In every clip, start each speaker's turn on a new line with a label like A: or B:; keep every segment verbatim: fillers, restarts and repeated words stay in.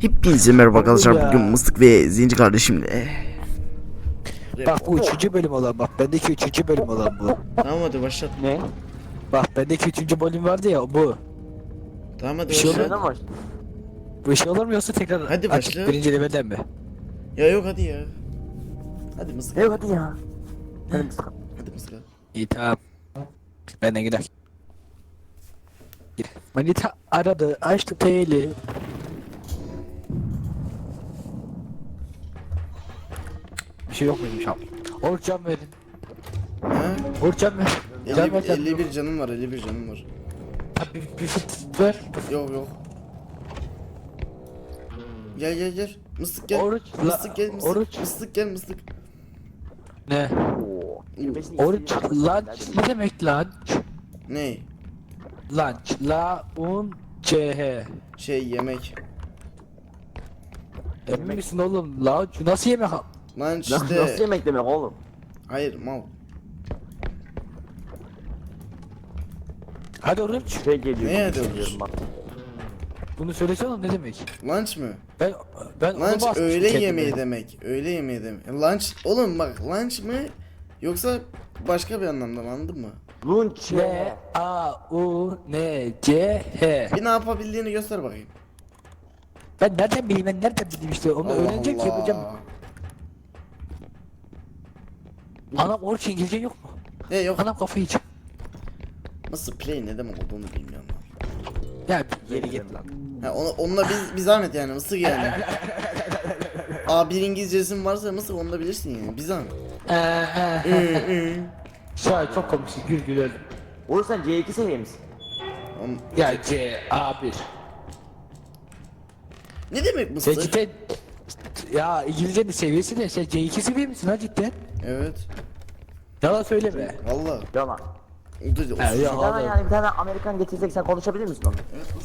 A: Hepinize merhaba arkadaşlar, bugün Mıstık ve Zenci kardeşimle.
B: Bak bu üçüncü bölüm olan, bak bendeki üçüncü bölüm olan bu.
A: Tamam hadi başlat.
B: Ne? Bak bendeki üçüncü bölüm vardı ya, bu.
A: Tamam hadi
B: Bir şey
A: başlat.
B: oluyor mu? Bu şey olur mu yoksa tekrar
A: Hadi
B: açıp
A: başla.
B: birinci levelden mi?
A: Ya yok hadi ya. Hadi Mıstık.
B: Evet hadi ya. Hadi Mıstık.
A: Hadi Mıstık.
B: İyi tamam. Benden gider. Gir. Manita aradı, açtı teyli. Bir şey yok muymuş abi? Oruç can verin.
A: Ha?
B: Oruç can ver. Can ver
A: elli,
B: can.
A: elli bir canım var, elli bir canım var.
B: Bir, bir fıt ver.
A: Yok yok. Gel gel gel. Mıstık gel.
B: Oruç, la-
A: Mıstık gel mıstık.
B: oruç.
A: Mıstık gel mıstık.
B: Ne? Oruç lunch ne demek lunch?
A: Ne?
B: Lunch la un c h.
A: Şey yemek.
B: Emin misin oğlum? Lunch nasıl yemek?
A: Lunch
C: Nasıl
A: işte.
C: yemek demek oğlum?
A: Hayır mal.
B: Hadi oruç.
C: Şey geliyor.
A: Neye
C: gibi
A: diyormuş?
C: hissediyorum bak.
B: Bunu söylesene oğlum, ne demek?
A: Lunch mı?
B: Ben ben onu
A: Lunch
B: basmıştım
A: öğle
B: kendime.
A: yemeği demek. Öğle yemeği demek. Lunch oğlum bak, lunch mı yoksa başka bir anlamda mı, anladın mı?
C: Lunch.
B: L A U N C H.
A: Bir ne yapabildiğini göster bakayım.
B: Ben nereden bileyim, ben nereden bileyim işte onu öğrenecek ki yapacağım. Anam oruç İngilizce yok mu?
A: E yok.
B: Anam kafayı yiyecek.
A: Nasıl play ne demek olduğunu bilmiyorum.
B: Ya geri git lan.
A: Ha, onu, onunla bir, bir zahmet yani, mısır yani. A bir İngilizcesin varsa mısır, onu da bilirsin yani, bir zahmet.
B: Şahit çok komiksin, gül gül öldüm.
C: Oğlum sen C iki seviye misin?
A: Oğlum,
B: Ya C A bir.
A: ne demek
B: Sen
A: mısır?
B: cidden ya İngilizcenin seviyesi ne? Sen C iki seviye misin ha cidden?
A: Evet.
B: Yalan söyleme.
A: Valla.
C: Yalan.
A: Dur, dur,
B: Ha,
A: sus.
B: ya.
C: Hemen yani bir tane Amerikan getirsek sen konuşabilir misin onu?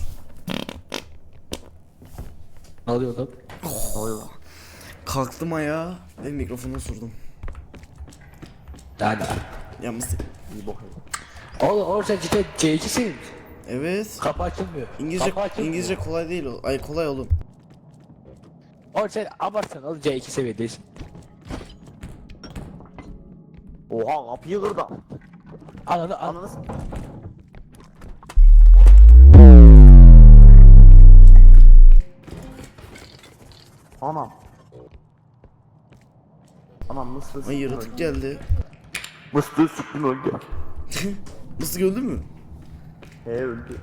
B: Ne oluyor lan?
C: Ne oluyor lan?
A: Kalktım ayağa ve mikrofonu sordum.
B: Yani.
A: Ya mısır.
C: İyi bok.
B: Oğlum oğlum sen cidden C iki seviye misin?
A: Evet.
B: Kapı açılmıyor.
A: İngilizce
B: Kapı açılmıyor.
A: İngilizce kolay değil o. Ay kolay oğlum.
B: Oğlum sen abartsın oğlum, C iki seviyedesin.
C: Oha kapıyı kırdı.
B: Ananı an.
C: Anladın mı? Anam. Anam mısır
A: Ay yaratık geldi.
C: Mısır sıktım öldü.
A: Mısır öldü mü?
C: He öldü.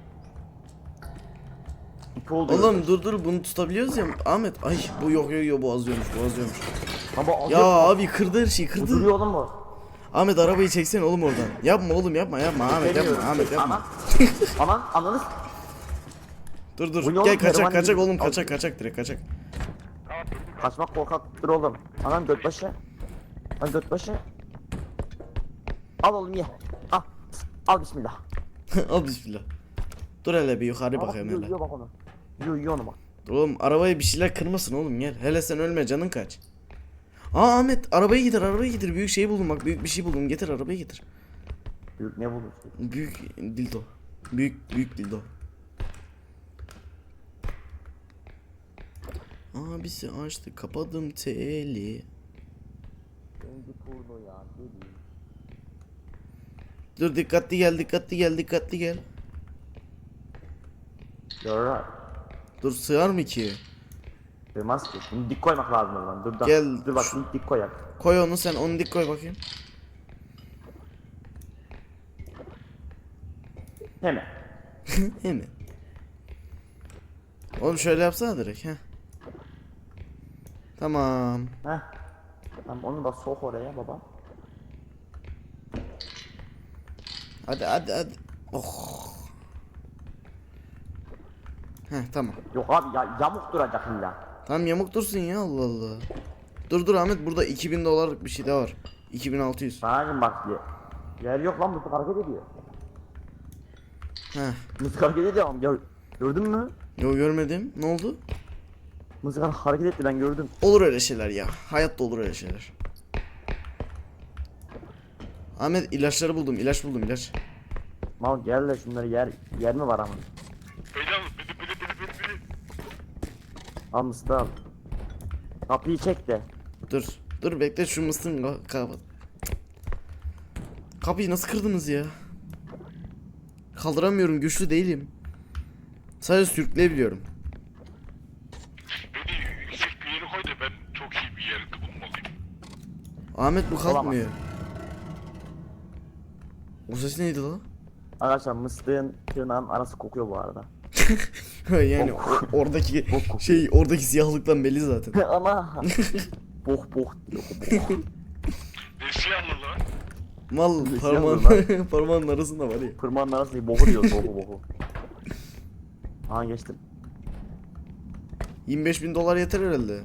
C: İpi oldu.
A: Oğlum dur dur, bunu tutabiliyoruz ya Ahmet. Ay bu yok yok yok, boğazlıyormuş boğazlıyormuş.
C: Ama
A: Ya abi kırdı her şeyi, kırdı.
C: duruyor oğlum bu.
A: Ahmet arabayı çeksene oğlum oradan. Yapma oğlum, yapma yapma Ahmet, yapma Ahmet, yapma.
C: Anan ananız.
A: Dur dur
C: Bu ne
A: gel,
C: oğlum,
A: kaçak
C: kervan
A: kaçak
C: gibi.
A: oğlum,
C: Al.
A: kaçak kaçak direkt kaçak.
C: Kaçmak korkaktır oğlum. Anam göt başı. Lan göt başı. Al oğlum ye. Al. Al bismillah.
A: Al bismillah. Dur hele bir yukarı
C: Al bak,
A: bakayım
C: yiyor,
A: hele.
C: yiyor bak onu. Yiyor yiyor onu bak.
A: Dur oğlum, arabaya bir şeyler kırmasın oğlum, gel. Hele sen ölme, canın kaç. Aa Ahmet, arabayı getir, arabayı getir. Büyük şey buldum bak, büyük bir şey buldum, getir arabayı getir.
C: Büyük ne bulursun?
A: Büyük dildo. Büyük büyük dildo. Abisi açtı, kapadım teli.
C: Önce turnu ya deli.
A: Dur dikkatli gel, dikkatli gel, dikkatli gel.
C: Yarar.
A: Dur, sığar mı ki?
C: Sığmaz ki. Bunu dik koymak lazım o zaman. Dur da.
A: Gel,
C: Dur bak
A: şu-
C: şimdi dik koyak.
A: Koy onu sen, onu dik koy bakayım.
C: Hemen.
A: Hemen. Oğlum şöyle yapsana direkt, heh. Tamam.
C: Heh. Tamam onu da sok oraya baba.
A: Hadi hadi hadi. Oh. Heh tamam.
C: Yok abi ya yamuk duracak illa.
A: Tamam yamuk dursun ya, Allah Allah. Dur dur Ahmet, burada iki bin dolarlık bir şey de var. iki bin altı yüz.
C: Sanacım bak diye. Yer yok lan mısık hareket ediyor.
A: Heh.
C: Mısık hareket ediyor ama gör, gördün mü?
A: Yo görmedim. Ne oldu?
C: Mısık hareket etti ben gördüm.
A: Olur öyle şeyler ya. Hayatta olur öyle şeyler. Ahmet ilaçları buldum. İlaç buldum, ilaç.
C: Mal gel de şunları yer yer mi var ama?
D: Hocam bili bili bili bili bili.
C: Al mıstığı al. Kapıyı çek de.
A: Dur. Dur bekle şu mıstığın ka- kapat. Kapıyı nasıl kırdınız ya? Kaldıramıyorum, güçlü değilim. Sadece sürükleyebiliyorum.
D: Beni yüksek bir yere koy da ben çok iyi bir yer bulmalıyım.
A: Ahmet bu
C: Olamaz.
A: kalkmıyor. O ses neydi la?
C: Arkadaşlar mıstığın tırnağın arası kokuyor bu arada.
A: Yani o- oradaki şey, oradaki siyahlıktan belli zaten.
C: Ama boh boh diyor boh.
D: Ne siyahlı lan?
A: Mal
C: Ne
A: parmağın,
C: siyahlı
A: parmağın arasında var ya.
C: Pırmanın arası değil bohu diyor bohu bohu. Aha geçtim.
A: yirmi beş bin dolar yeter herhalde.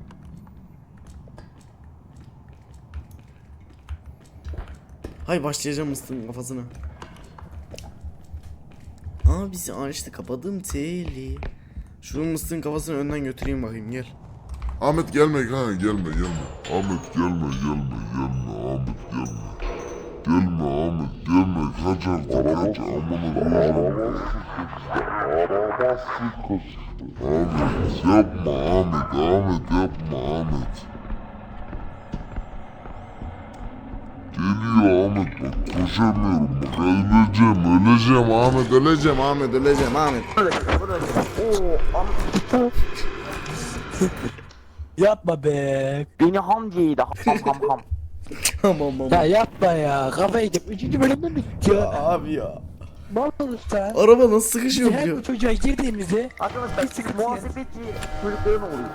A: Hay başlayacağım mıstığın kafasına. Abisi açtı, kapadım teli. Şunun mıstığın kafasını önden götüreyim bakayım, gel.
E: Ahmet gelme ha gelme gelme. Ahmet gelme gelme gelme Ahmet gelme. Gelme Ahmet gelme kaçar da kaç amına koyacağım. Ahmet yapma Ahmet Ahmet yapma Ahmet. Geliyor Ahmet bak koşamıyorum bak öleceğim öleceğim Ahmet öleceğim
A: Ahmet öleceğim Ahmet.
C: Oo am
B: Yapma be.
C: beni hamci yedi ham ham ham.
A: Tamam tamam.
B: Ya yapma ya. Kafayı yedim. Üçüncü bölümde mi bitti
A: Ya
B: ya?
A: abi ya.
B: Mal usta.
A: Araba nasıl sıkışıyor
B: Her
A: biliyor.
B: bu çocuğa girdiğimizde
C: Arkadaşlar
B: sıkıntı
C: muhasebeci çocukların oluyor.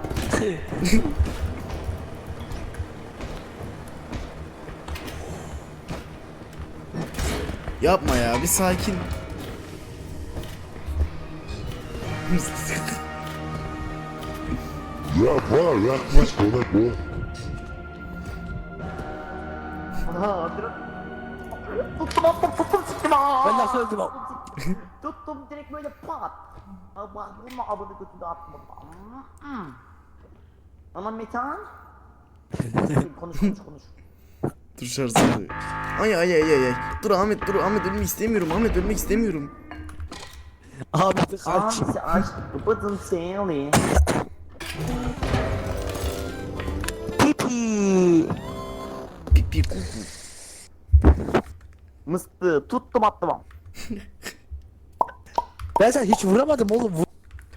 A: Yapma ya, bir sakin.
E: Ya bana yaklaşma lan bu.
C: Ha hatırlat. Tuttum attım tuttum siktim aa.
B: ben nasıl öldüm o?
C: Tuttum direkt böyle pat. Aa, bak bunu abone götürdü attım. Hmm. Ama Metehan. konuş konuş konuş.
A: Dur şarjı alıyor. Ay ay ay ay ay. Dur Ahmet, dur Ahmet, ölmek istemiyorum. Ahmet ölmek istemiyorum.
B: Ahmet'i kaç.
C: Abisi aç. Bıdın seni. Pipi.
A: Pipi kuku.
C: Mıstığı tuttum attım.
B: Ben sana hiç vuramadım oğlum. Vur.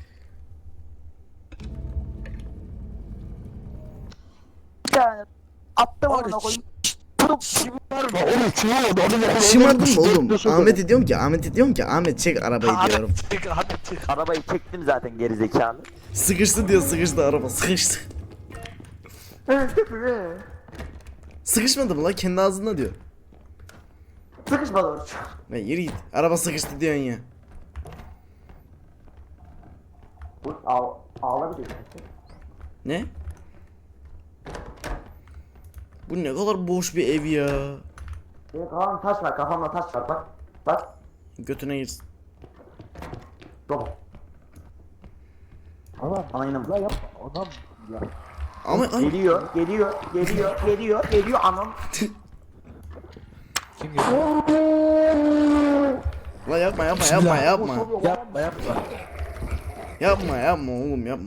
C: Bir tane attım
B: Oğlum,
C: ona koyayım.
B: Şımarma oğlum şımarma. Onu
A: Şımardım mı oğlum? Ahmet'e diyorum ki, Ahmet'e diyorum ki Ahmet çek arabayı diyorum.
B: Ahmet çık Ahmet çık.
C: Arabayı çektim zaten geri zekalı.
A: Sıkıştı diyor, sıkıştı araba, sıkıştı. Sıkışmadı mı lan, kendi ağzında diyor.
C: Sıkışmadı orç.
A: Lan yürü git. Araba sıkıştı diyorsun ya.
C: Bu ağ ağlabilir.
A: Ne? Bu ne kadar boş bir ev ya.
C: Benim kafamda taş var, kafamda taş var bak. Bak.
A: Götüne girsin.
C: Baba.
B: Ama
C: Ana inanın.
B: la yapma. Adam ya.
A: Ama ay.
C: Geliyor, geliyor, geliyor, geliyor, geliyor anam.
B: Kim geliyor?
A: La yapma yapma yapma yapma.
B: Yapma yapma.
A: Yapma yapma oğlum yapma.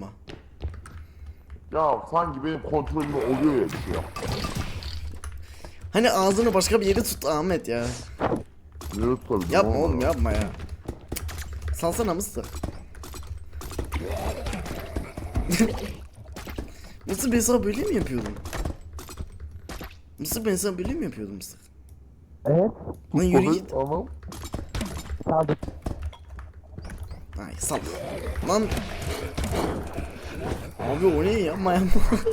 E: Ya sanki benim kontrolümde oluyor ya bir şey ya.
A: Hani ağzını başka bir yere tut Ahmet ya.
E: Niye tutabilirim
A: Yapma oğlum yapma ya. Salsana mısır. Mısır ben sana böyle mi yapıyordum? Mısır ben sana böyle mi yapıyordum Mısır?
B: Evet.
A: Lan yürü git.
E: Anam.
B: Kaldık.
A: Ay sal. Lan. Abi o ne, yapma yapma.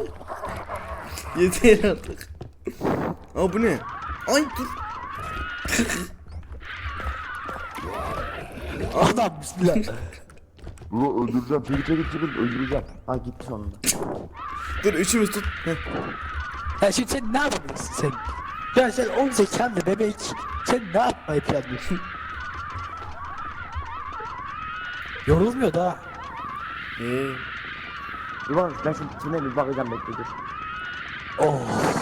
A: Yeter artık. Aa bu ne? Ay dur.
B: Adam bismillah.
E: Dur öldüreceğim. Çekil çekil çekil öldüreceğim.
C: Ha gitti sonunda.
A: Dur üçümüz tut. Heh.
B: Ya şimdi sen ne yapabilirsin sen? Ya sen on zekanlı bebek. Sen ne yapmayı planlıyorsun? Yorulmuyor da.
A: Ee,
C: İvan ben şimdi içine bir bakacağım bekle dur.
B: Oh.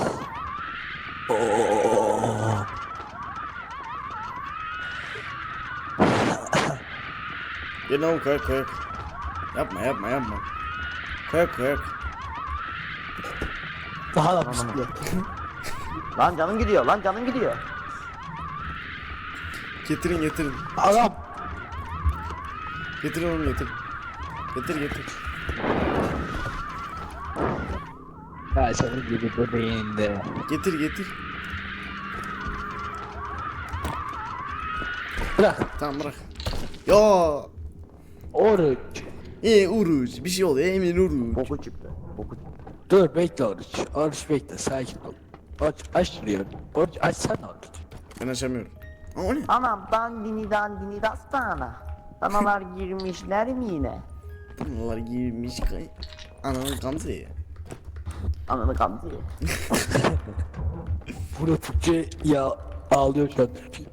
B: Oh.
A: gel oğlum kalk kalk. Yapma yapma yapma. Kayak kayak.
B: Daha da bisiklet.
C: Lan canım gidiyor lan canım gidiyor.
A: Getirin getirin.
B: Adam.
A: Getirin oğlum getir. Getir getir.
B: Ya senin gibi bebeğinde.
A: Getir getir.
B: Bırak.
A: Tamam bırak. Ya.
B: Oruç.
A: E Uruç bir şey oluyor Emin Uruç.
C: Boku çıktı. Boku çıktı.
B: Dur bekle Oruç. Oruç bekle sakin ol. Oruç aç şurayı. Oruç açsana Oruç.
A: Ben açamıyorum. Aa o ne?
C: Anam dandini dandini dastana. Danalar girmişler mi yine?
A: Bunlar girmiş kay. Ananın Gamze'ye.
C: Ananı kandı.
B: Burada Türkçe ya ağlıyor şu an.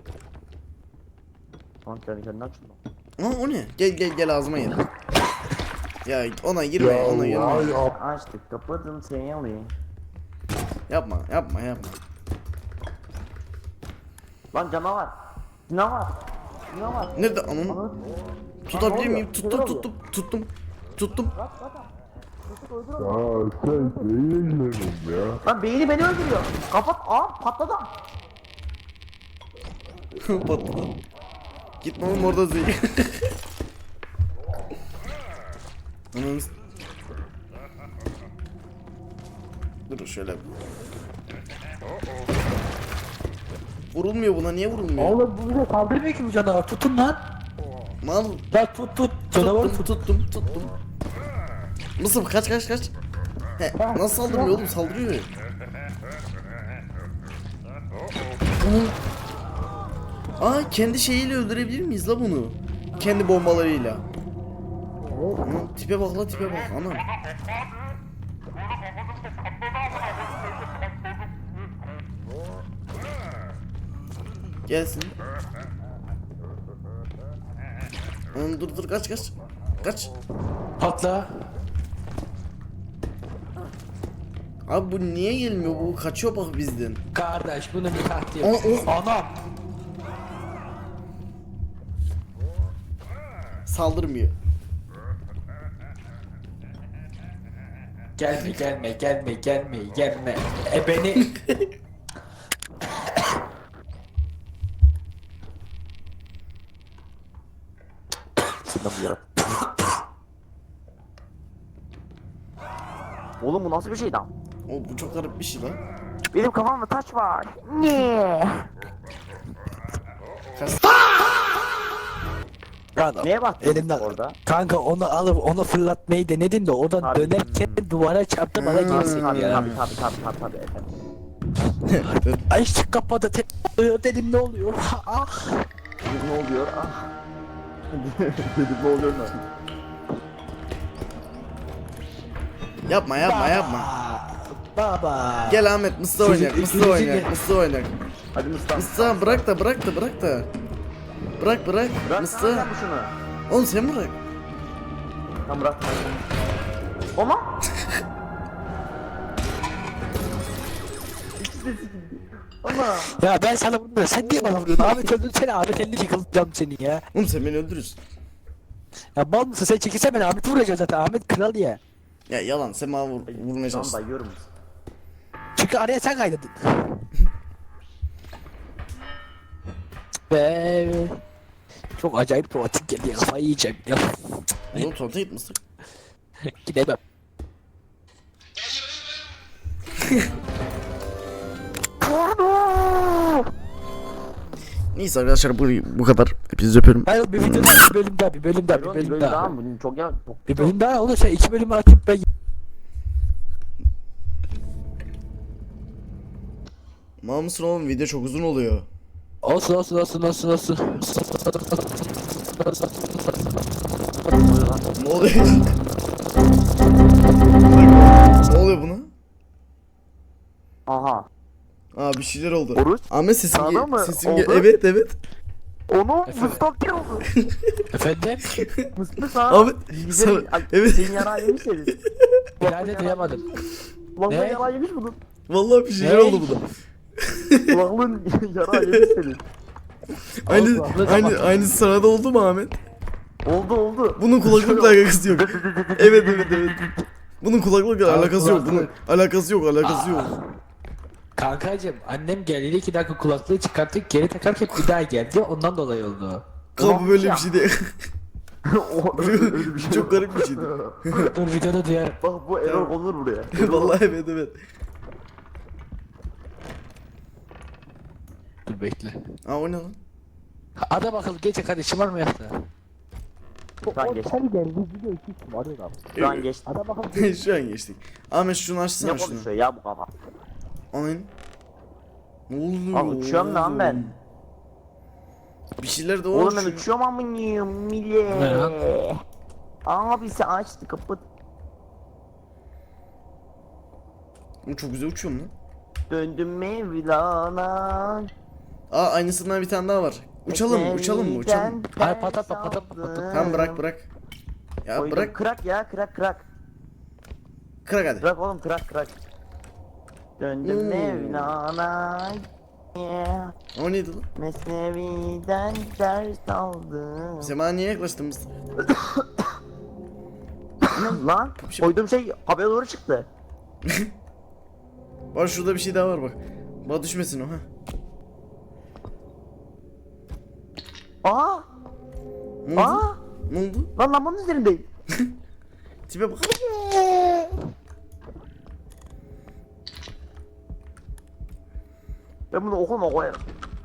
C: Lan kendi kendine açıldı.
A: Aa o ne? Gel gel gel ağzıma gel. Ya ona girme ona girme.
C: Açtık kapadım seni alayım.
A: Yapma yapma yapma.
C: Lan canavar. Canavar. Canavar.
A: Nerede ananı?
C: Ananı-
A: Tutabilir
C: oluyor?
A: miyim?
C: Neler
A: Tuttum
C: oluyor?
A: tuttum tuttum. Tuttum.
E: Ya sen neyle ya?
C: Lan beyni beni öldürüyor. Kapat. Aa patladı.
A: Patladı. Gitme oğlum orada zey. Ananı s- Dur şöyle. Vurulmuyor buna niye vurulmuyor?
B: Oğlum bu bize saldırmıyor ki bu canavar. Tutun lan.
A: Mal.
B: Lan tut tut. Canavar
A: Tuttum
B: tut.
A: tuttum tuttum. Nasıl kaç kaç kaç. He, nasıl saldırmıyor oğlum saldırıyor. Aa, Aa kendi şeyiyle öldürebilir miyiz la bunu? Kendi bombalarıyla. Anam tipe bak la tipe bak anam. Gelsin. Anam dur dur kaç kaç. Kaç.
B: Patla.
A: Abi bu niye gelmiyor bu kaçıyor bak bizden.
B: Kardeş bunu bir tahtaya.
A: Aa, o-
B: Anam.
A: Saldırmıyor.
B: Gelme gelme gelme gelme gelme. E beni.
C: Oğlum bu nasıl bir şey lan?
A: O bu çok garip bir şey lan.
C: Benim kafamda taş var. Ne?
B: Adam.
C: Neye baktın
B: Elimden.
C: orada?
B: Kanka onu alıp onu fırlatmayı denedin de oradan
C: Abi.
B: dönerken duvara çarptı bana
A: Hmm.
B: gelsin
C: Tabii
B: ya.
C: tabii tabii tabii tabii tabii efendim.
B: Ay çık kapadı te dedim ne oluyor? Ah.
C: Dedim ne oluyor? Ah. Dedim ne oluyor lan?
A: Yapma yapma yapma.
B: Aa, Baba.
A: Gel Ahmet Mısır
B: Sizin
A: oynayak Mısır
B: ikinizi
A: oynayak
B: de-
A: Mısır oynayak.
C: Hadi Mustafa.
A: Mısır bırak da bırak da bırak da. Bırak bırak.
C: Bırak
A: Mısır.
C: sana bu şunu.
A: Oğlum sen bırak.
C: Tamam bırak. Ama. İkisi de sikildi. Ama.
B: Ya ben sana bunu sen niye bana vuruyorsun? Ahmet öldün seni Ahmet elini yıkılacağım seni ya.
A: Oğlum sen beni öldürürsün.
B: Ya bal mısın sen çekilse ben Ahmet vuracağım zaten Ahmet kral ya.
A: Ya yalan sen bana vur, vurmaya
C: Tamam
A: çalıştın.
C: dayıyorum.
B: Çünkü araya sen kaydırdın. Ve çok acayip romantik geldi kafayı yiyeceğim ya.
A: Oğlum tuvalete git Mısır.
B: Gidemem.
A: Neyse arkadaşlar bu, bu kadar. Hepinizi öpüyorum.
B: Hayır bir video daha bir bölüm daha bir bölüm daha bir
C: Bir
B: bölüm
C: bölüm
B: daha.
C: daha mı? Bugün çok ya. Çok,
B: Bir bölüm daha olursa iki bölümü açıp ben
A: Mal mısın oğlum video çok uzun oluyor.
B: olsun olsun olsun olsun olsun.
A: Ne oluyor? Ne oluyor buna?
C: Aha.
A: Aa bir şeyler oldu.
C: Oruç,
A: Ahmet sesim
C: sana
A: gel.
C: mı
A: Sesim gel.
C: oldu?
A: Evet evet.
C: Onu
B: Efendim?
C: Mustafa oldu.
B: Efendim?
C: Mustafa.
A: Ahmet.
C: Bize
A: Sana, evet.
C: Senin yarağı yemiş herif.
B: İleride duyamadım.
C: Ulan
B: Ne?
C: yarağı yemiş bunun.
A: Vallahi bir şeyler
B: Ne?
A: oldu buna.
C: Kulağın yarağı yemiş senin.
A: Aynı
B: Allah,
A: aynı
B: Allah.
A: aynı sırada oldu mu Ahmet?
C: Oldu oldu.
A: Bunun kulaklıkla alakası yok. Evet evet evet. Bunun kulaklıkla
B: Abi
A: alakası yok. Bunun
B: kulaklık.
A: alakası yok, alakası yok.
B: Kankacım annem geldi iki dakika kulaklığı çıkarttık geri takarken bir daha geldi ondan dolayı oldu.
A: Kanka bu böyle bir şey değil.
C: O öyle bir şey.
A: Çok garip bir şeydi.
B: Dur videoda duyarım.
C: Bak bu error olur buraya.
A: Vallahi evet evet.
B: Dur bekle.
A: Aa o ne lan?
B: Adam akıllı gece kardeşim var mı yaptı?
C: Şu an geçtik.
B: Sen geldi video iki kim arıyor abi.
C: Şu an geçtik.
B: Adam akıllı
A: Şu an geçtik. Ahmet şunu açsana
C: Ne
A: şunu.
C: konuşuyor ya bu kafa?
A: Aynen. Ne oluyor?
C: Abi uçuyorum lan ben.
A: Bir şeyler de var.
C: Oğlum ben
A: şu-
C: uçuyorum amınıyım
B: Ne lan?
C: millet. Abi sen açtı kapat.
A: Oğlum çok güzel uçuyorum lan.
C: Döndüm Mevlana.
A: Aa aynısından bir tane daha var. Uçalım mı? Uçalım mı? Uçalım mı?
B: Hayır, patlatma, patlatma, patlatma.
A: Tamam bırak bırak. Ya
C: Koydum,
A: bırak.
C: Kırak ya kırak kırak.
A: Kırak hadi.
C: Kırak oğlum kırak kırak. Döndüm
A: Hmm.
C: Mevlana. Yeah.
A: O neydi lan?
C: Mesnevi'den ders aldım.
A: Sema niye yaklaştın biz?
C: Ne lan? Koyduğum şey havaya doğru çıktı.
A: Bak şurada bir şey daha var bak. Bak düşmesin o ha.
C: Aa!
A: Ne oldu?
C: Aa!
A: Ne oldu?
C: Lan lambanın üzerindeyim.
A: Tipe bak.
C: Ben bunu okuma koyarım.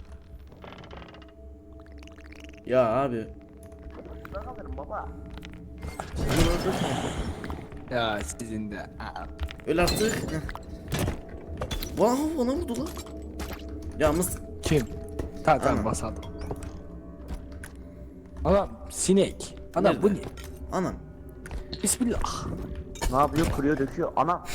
A: Ya abi.
C: Ben alırım baba.
B: Ya sizin de. Aa.
A: Öl artık. Heh. Wow bana vurdu lan. Ya mısın?
B: Kim? Tamam
A: Anam.
B: tamam basalım. Adam sinek. Adam
A: Nerede?
B: bu ne?
A: Anam.
B: Bismillah.
C: Ne yapıyor? Kırıyor döküyor. Ana.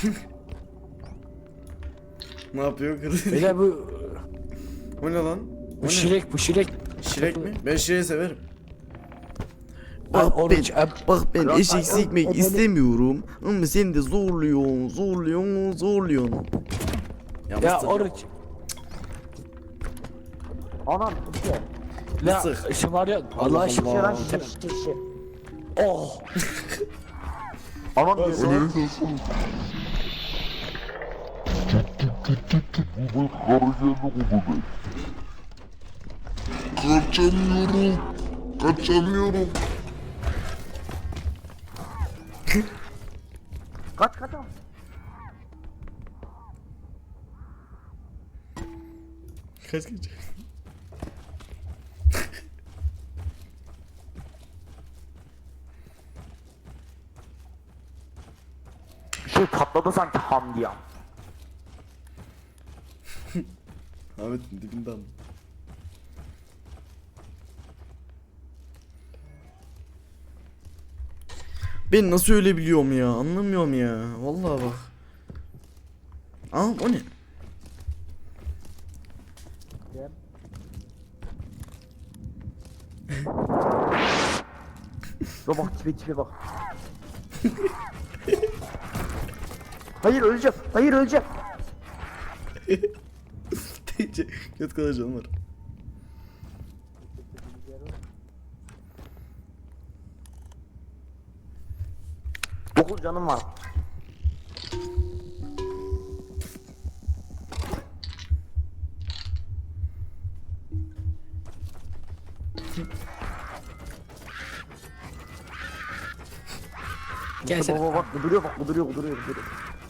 A: Ne yapıyor kız?
B: Beyler bu
A: O ne lan? O
B: bu
A: ne?
B: şirek bu şirek.
A: Şirek mi? Ben şireyi severim.
B: Ay,
A: Bak ben,
B: oruç, ab-
A: bak ben
C: Kral
A: eşek
C: ay-
A: sikmek
B: o- o-
A: istemiyorum. Ama sen de zorluyorsun, zorluyorsun, zorluyorsun. Ya,
B: Ya
A: mısır.
B: oruç.
C: Anam. İşte.
B: La
A: Mısır.
B: şımarıyor.
A: Allah
B: Allah
C: Şişe lan
A: Allah.
C: şişe şişe şişe.
B: Oh.
C: Anam
E: O
C: diyorsun.
E: ne diyorsun? Bu karı geldi bu bebek. Kaçamıyorum. Kaçamıyorum.
C: Kaç kaç al.
A: Kaç kaç.
C: Bir şey patladı sanki ham diye.
A: Ahmet'in dibinden. Ben nasıl öyle biliyorum ya? Anlamıyorum ya. Vallahi bak. Aa o ne?
C: Dur bak tipe tipe bak. Hayır öleceğim. Hayır öleceğim.
A: Kötü kadar canım var.
C: Dokuz canım var.
B: Gelsene.
C: Baba bak bu duruyor bak bu duruyor bu duruyor bu duruyor.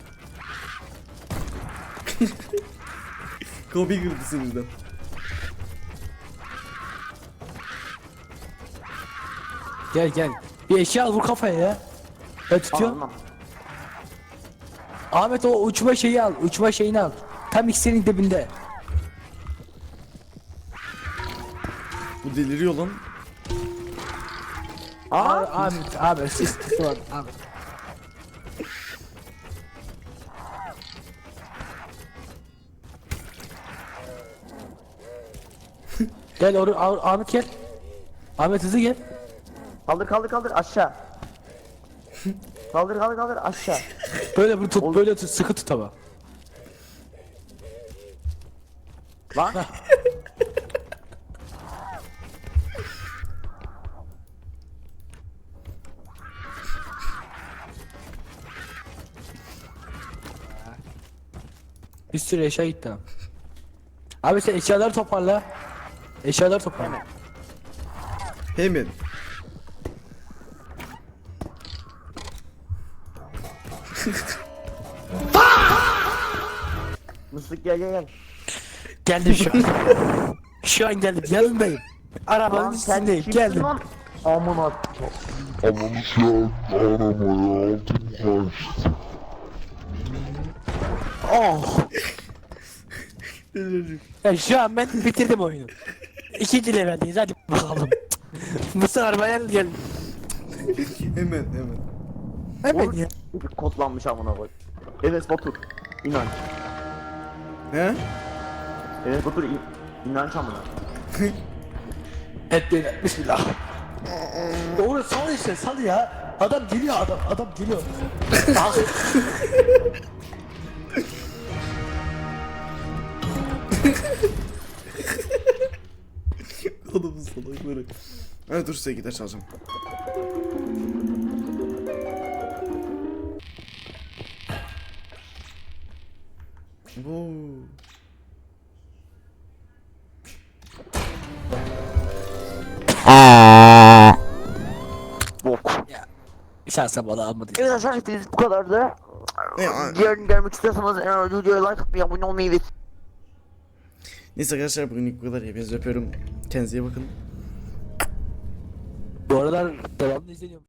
A: Kobe kırdı sinirden.
B: Gel gel. Bir eşya al vur kafaya ya. Ben tutuyorum.
C: Anlam.
B: Ahmet o uçma şeyi al. Uçma şeyini al. Tam ikisinin dibinde.
A: Bu deliriyor lan.
B: Aa, Ahmet, Ahmet siz tutun Ahmet. Gel or Ah- Ahmet gel. Ahmet hızlı gel.
C: Kaldır kaldır kaldır aşağı. Kaldır kaldır kaldır aşağı.
B: Böyle bir tut, böyle tut, sıkı tut ama.
C: Lan.
B: Bir sürü eşya gitti abi. Abi sen eşyaları toparla. Eşyaları toparla.
A: Hemen.
C: Mıslık gel gel gel.
B: Geldim şu an. Şu an geldim. Yanındayım. Arabanın
C: Lan sen
B: üstündeyim.
C: kimsin
B: Geldim.
C: lan? Amına.
E: Ananı şu an aramaya aldım kaçtı.
B: Oh. Ya şu an ben bitirdim oyunu. İkinci leveldeyiz hadi bakalım. Mısır arabaya gel.
A: Hemen hemen.
B: Hemen ya.
C: Bir kodlanmış amına koy. Evet Batur. İnanç.
A: He?
C: Evet Batur in inanç amına.
B: Hep böyle bismillah. Doğru sal işte sal ya. Adam geliyor adam adam geliyor. Ah.
A: Adamın salakları. Ha dur size gider çalacağım. Bu.
C: Bok.
B: Şansa bana almadı.
C: Evet arkadaşlar hepiniz bu kadardı.
A: Ne, a-
C: Diğerini görmek istiyorsanız eğer videoya like atmayı, abone olmayı ve
A: Neyse arkadaşlar bugünlük bu kadar. Hepinizi öpüyorum. Kendinize iyi bakın.
B: Bu aralar devamlı izleniyorum.